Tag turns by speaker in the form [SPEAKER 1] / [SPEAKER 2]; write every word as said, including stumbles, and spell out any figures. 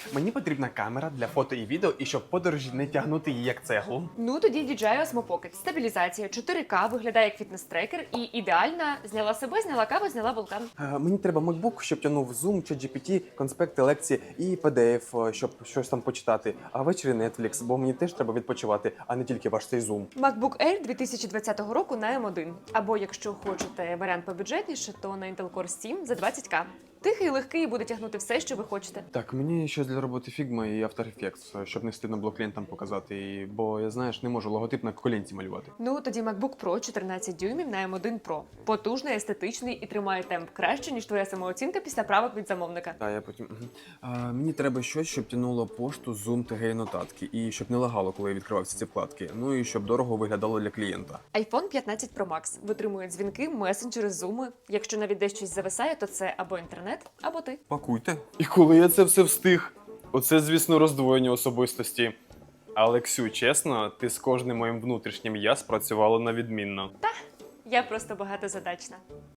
[SPEAKER 1] Мені потрібна камера для фото і відео, і щоб подорожі не тягнути її як цеглу.
[SPEAKER 2] Ну тоді ді джей ай Osmo Pocket. Стабілізація, чотири ка, виглядає як фітнес-трекер і ідеальна. Зняла себе, зняла каву, зняла вулкан.
[SPEAKER 1] Е, Мені треба MacBook, щоб тягнув Zoom, ChatGPT, конспекти, лекції і пі ді еф, е, щоб щось там почитати. А ввечері Netflix, бо мені теж треба відпочивати, а не тільки ваш цей Zoom.
[SPEAKER 2] MacBook Air дві тисячі двадцятого року на ем один. Або якщо хочете варіант побюджетніше, то на Intel Core сім за двадцять ка. Тихий, легкий і буде тягнути все, що ви хочете.
[SPEAKER 1] Так, мені щось для роботи Figma і After Effects, щоб не стидно було клієнтам показати, і- бо я, знаєш, не можу логотип на колінці малювати.
[SPEAKER 2] Ну тоді MacBook Pro чотирнадцять дюймів на ем один Pro. Потужний, естетичний і тримає темп краще, ніж твоя самооцінка після правок від замовника.
[SPEAKER 1] А я потім. Мгм. А, мені треба щось, щоб тянуло пошту, Zoom, ТГ і нотатки, і щоб не лагало, коли я відкривав всі ці вкладки. Ну і щоб дорого виглядало для клієнта.
[SPEAKER 2] iPhone п'ятнадцять Pro Max витримує дзвінки, месенджери, зуми. Якщо навіть десь щось зависає, то це або інтернет, або ти.
[SPEAKER 1] Пакуйте. І коли я це все встиг? Оце, звісно, роздвоєння особистості. Але, Ксю, чесно, ти з кожним моїм внутрішнім я спрацювала на відмінно.
[SPEAKER 2] Я просто багатозадачна.